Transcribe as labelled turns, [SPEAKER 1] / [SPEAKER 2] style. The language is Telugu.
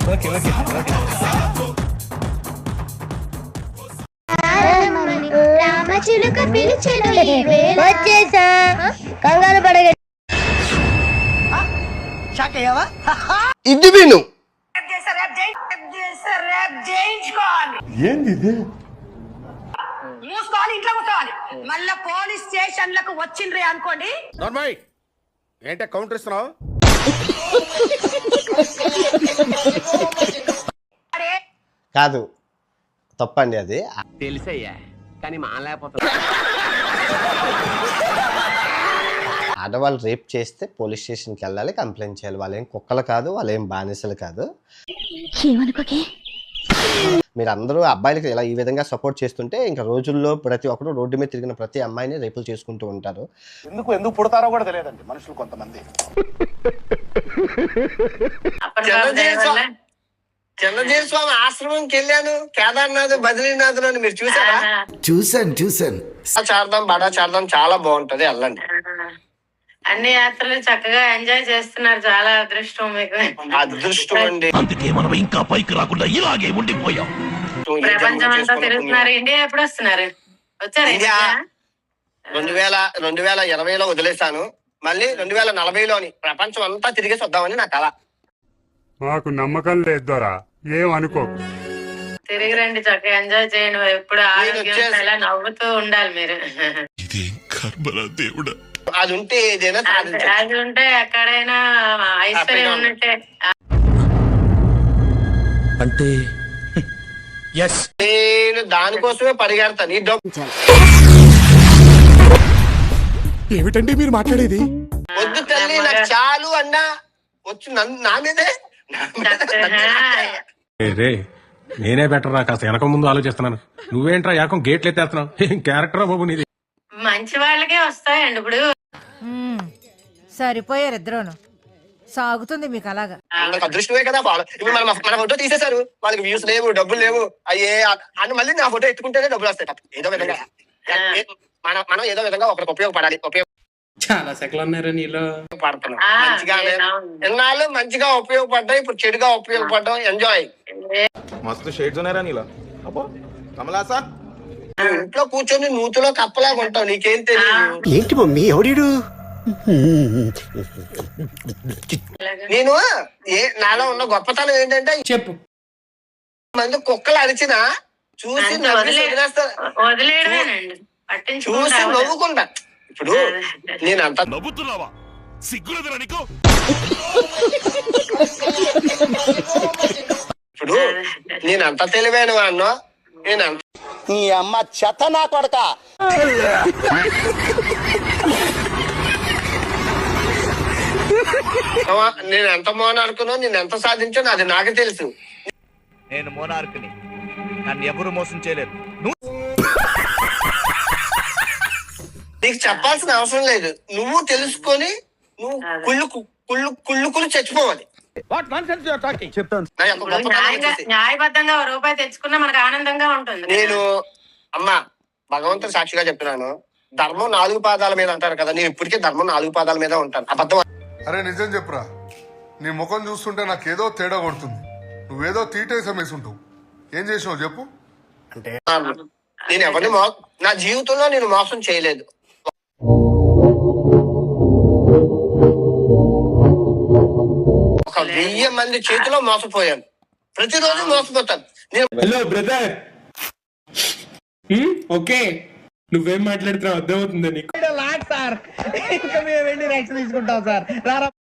[SPEAKER 1] Okay okay okay.
[SPEAKER 2] రామచిలుక పిలిచెను ఈ వేళ.
[SPEAKER 3] వచ్చేసా, కంగారు పడగ.
[SPEAKER 4] ఇది విను.
[SPEAKER 5] ఏంది ఇది?
[SPEAKER 6] మూసుకోవాలి, ఇంట్లో కూర్చోవాలి. మళ్ళా పోలీస్ స్టేషన్లకు వచ్చిండ్రి అనుకోండి.
[SPEAKER 4] నార్మల్ ఏంటే కౌంటర్ ఇస్తున్నావు?
[SPEAKER 7] కాదు, తప్పండి అది.
[SPEAKER 8] తెలుసయ్యా, కానీ మానలేకపోతున్నా.
[SPEAKER 7] ఆడవాళ్ళు రేప్ చేస్తే పోలీస్ స్టేషన్కి వెళ్ళాలి, కంప్లైంట్ చేయాలి. వాళ్ళు ఏం కుక్కలు కాదు, వాళ్ళు ఏం బానిసలు కాదు. మీరు అందరూ అబ్బాయిలకి ఇలా ఈ విధంగా సపోర్ట్ చేస్తుంటే ఇంకా రోజుల్లో ప్రతి ఒక్కరు రోడ్డు మీద తిరిగిన ప్రతి అమ్మాయిని రేపులు చేసుకుంటూ ఉంటారు.
[SPEAKER 5] ఎందుకు పుడతారో కూడా తెలియదండి మనుషులు కొంతమంది.
[SPEAKER 4] చంద్రజీవి స్వామి ఆశ్రమంకి వెళ్ళాను, కేదార్నాథ్, బద్రీనాథ్ అని మీరు చూసారా?
[SPEAKER 9] చూసాను.
[SPEAKER 4] చార్ధాం, బడా చార్ధాం చాలా బాగుంటది, వెళ్ళండి.
[SPEAKER 10] అన్ని యాత్రలు చక్కగా ఎంజాయ్ చేస్తున్నారు. చాలా అదృష్టం మీకు.
[SPEAKER 4] అదృష్టం అండి.
[SPEAKER 9] అందుకే మనం ఇంకా పైకి రాకుండా ఇలాగే ఉండిపోయాం.
[SPEAKER 10] ప్రపంచం అంతా తిరుగుతున్నారు. ఇండియా ఎప్పుడు వస్తున్నారు? వచ్చారు?
[SPEAKER 4] ఇండియా 2020లో వదిలేశాను. మళ్ళీ 2040లోని ప్రపంచం అంతా తిరిగేసి వద్దామని నా కళ.
[SPEAKER 5] మాకు నమ్మకం లేదు దొరా, ఏం అనుకోకు.
[SPEAKER 10] తిరిగి రండి, చక్కగా ఎంజాయ్ చేయండి. ఎప్పుడు ఆరోగ్యం ఎలా నవ్వుతూ ఉండాలి మీరు.
[SPEAKER 4] అది ఉంటే ఏదైనా
[SPEAKER 10] అది ఉంటే ఎక్కడైనా ఐశ్వర్యం ఉన్నట్టే.
[SPEAKER 9] అంటే
[SPEAKER 4] నేను దానికోసమే పరిగెడతాను. ఈ డబ్బు
[SPEAKER 5] ఏమిటండి మీరు మాట్లాడేది?
[SPEAKER 4] వద్దు తల్లి, నాకు చాలు అన్నా వచ్చు నా మీదే.
[SPEAKER 5] నేనే బెటర్ రా, కాస్త వెనక ముందు ఆలోచిస్తున్నాను. నువ్వేంట్రా ఏకం గేట్లు ఎత్తేస్తున్నావు? ఏం క్యారెక్టరా బాబు నీది?
[SPEAKER 10] మంచి వాళ్ళకే వస్తాయండి. ఇప్పుడు
[SPEAKER 3] సరిపోయారు ఇద్దరును, సాగుతుంది మీకు అలాగా.
[SPEAKER 4] అదృష్టమే కదా. ఇప్పుడు మన ఫోటో తీసేశారు, వాళ్ళకి వ్యూస్ లేవు, డబ్బులు లేవు. అయ్యే అని మళ్ళీ నా ఫోటో ఎత్తుకుంటేనే డబ్బులు వస్తాయి. ఏదో విధంగా మనం ఏదో విధంగా ఒకరికి ఉపయోగపడాలి.
[SPEAKER 8] చాలా సెకలు ఉన్నారు నీలో.
[SPEAKER 4] పడుతున్నాం మంచిగా, ఎన్నాళ్ళు మంచిగా ఉపయోగపడ్డా, ఇప్పుడు చెడుగా ఉపయోగపడ్డాం. ఎంజాయ్.
[SPEAKER 5] మస్తు షేడ్స్ ఉన్నారా నీలో? అబ్బో కమలాసా,
[SPEAKER 4] ఇంట్లో కూర్చొని నూతులో కప్పలాగా ఉంటావు, నీకేం తెలియదు.
[SPEAKER 9] ఏంటి మమ్మీ ఎవడీడు?
[SPEAKER 4] నేను నాలో ఉన్న గొప్పతనం ఏంటంటే
[SPEAKER 8] చెప్పు.
[SPEAKER 4] మంది కుక్కలు అరిచినా చూసి
[SPEAKER 10] వదిలేయడమేనండి,
[SPEAKER 4] చూసి నవ్వుకుంటా. ఇప్పుడు నేను అంత
[SPEAKER 9] నవ్వుతున్నావా? సిగ్గులేదురా నీకు?
[SPEAKER 4] ఇప్పుడు నేను అంత తెలివైన వాడినో, నేను అంత
[SPEAKER 7] నీ అమ్మ చెత్త నా కొడక.
[SPEAKER 4] నేను ఎంత మోనార్కునో, నేను ఎంత సాధించానో అది నాకు తెలుసు.
[SPEAKER 1] నేను మోనార్క్ని, నన్ను ఎవరు మోసం చేయలేరు.
[SPEAKER 4] నీకు చెప్పాల్సిన అవసరం లేదు. నువ్వు తెలుసుకొని నువ్వు కుళ్ళు చచ్చిపోవాలి.
[SPEAKER 1] చెప్తాను.
[SPEAKER 10] న్యాయబద్ధంగా రూపాయి తెచ్చుకున్నా మనకు ఆనందంగా ఉంటుంది.
[SPEAKER 4] నేను అమ్మా భగవంతుడు సాక్షిగా చెప్తున్నాను, ధర్మం 4 పాదాల మీద అంటారు కదా, నేను ఇప్పటికే ధర్మం 4 పాదాల మీద ఉంటాను. అబద్ధం.
[SPEAKER 5] అరే నిజం చెప్పురా, నీ ముఖం చూస్తుంటే నాకేదో తేడా కొడుతుంది. నువ్వేదో తీటేసం వేసుంటావు. ఏం చేసావు చెప్పు?
[SPEAKER 4] నేను ఎవరిని నా జీవితంలో నేను మోసం చేయలేదు. ఒక 1000 మంది చేతిలో మోసపోయాను. ప్రతిరోజు మోసపోతాను.
[SPEAKER 8] హలో బ్రదర్, ఓకే నువ్వేం మాట్లాడుతున్నావు అర్థమవుతుందా నీకు?
[SPEAKER 1] సార్ ఇంకా మేము వెళ్ళి రియాక్షన్ తీసుకుంటాం సార్.